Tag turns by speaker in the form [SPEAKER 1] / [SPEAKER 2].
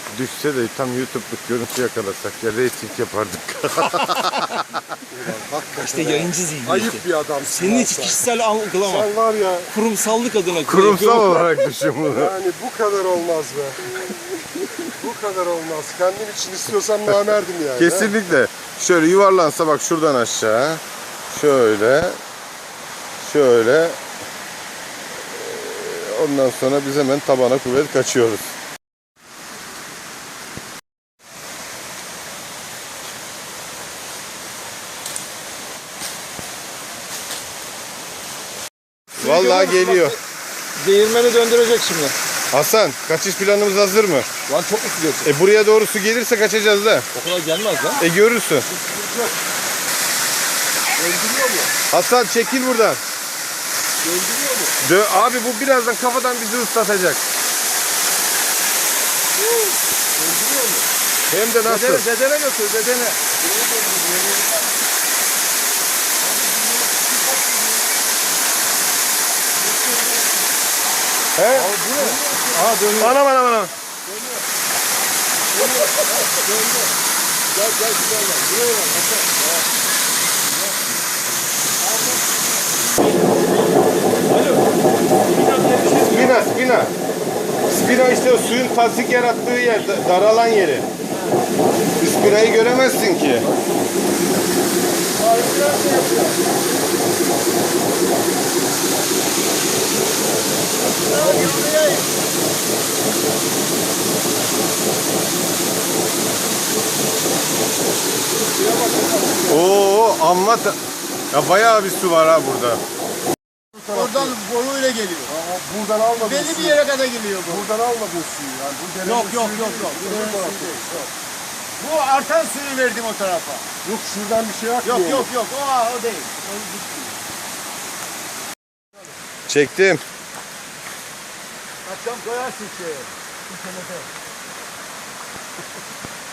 [SPEAKER 1] Düşse de tam YouTube'luk görüntü yakalasak ya reyting yapardık.
[SPEAKER 2] İşte yayıncı zihniyeti.
[SPEAKER 3] Ayıp bir adamsın.
[SPEAKER 2] Senin hiç kişisel algılama.
[SPEAKER 3] Sen var ya,
[SPEAKER 2] Kurumsallık adına.
[SPEAKER 1] Kurumsal olarak düşün bunu.
[SPEAKER 3] yani bu kadar olmaz be. Bu kadar olmaz. Kendim için istiyorsam namerdim yani.
[SPEAKER 1] Kesinlikle. Şöyle yuvarlansa bak şuradan aşağı. Şöyle. Şöyle. Ondan sonra biz hemen tabana kuvvet kaçıyoruz. Vallahi geliyor.
[SPEAKER 2] Değirmeni döndürecek şimdi.
[SPEAKER 1] Hasan, kaçış planımız hazır mı?
[SPEAKER 2] Lan çok mu gidiyorsun?
[SPEAKER 1] Buraya doğru su gelirse kaçacağız da.
[SPEAKER 2] O kadar gelmez lan.
[SPEAKER 1] Görürsün.
[SPEAKER 3] Öldürüyor mu?
[SPEAKER 1] Hasan çekil buradan.
[SPEAKER 3] Öldürüyor mu?
[SPEAKER 1] Abi bu birazdan kafadan bizi ıslatacak.
[SPEAKER 3] Öldürüyor mu?
[SPEAKER 1] Hem de nasıl?
[SPEAKER 2] Dedene götür, dedene.
[SPEAKER 1] He?
[SPEAKER 2] Bu ne? Aa dönüyor.
[SPEAKER 1] Anam.
[SPEAKER 3] Gel güzel gel. Buraya bak.
[SPEAKER 1] Spina. Spina işte o suyun tasdik yarattığı yer, daralan yeri. Spina'yı göremezsin ki. Oo amma ya bayağı bir su var ha burada.
[SPEAKER 4] Oradan boruyla geliyor.
[SPEAKER 3] Buradan almadın
[SPEAKER 4] Belli bir
[SPEAKER 3] suyu.
[SPEAKER 4] yere kadar geliyor bu.
[SPEAKER 3] Buradan almadın suyu. Yani bu derenin
[SPEAKER 4] Yok.
[SPEAKER 3] suyu değil. Öbür tarafta.
[SPEAKER 4] Bu artan suyu verdim o tarafa.
[SPEAKER 3] Yok şuradan bir şey akmıyor.
[SPEAKER 4] Yok. O değil.
[SPEAKER 1] Çektim.
[SPEAKER 4] Akşam koyarsın şeye.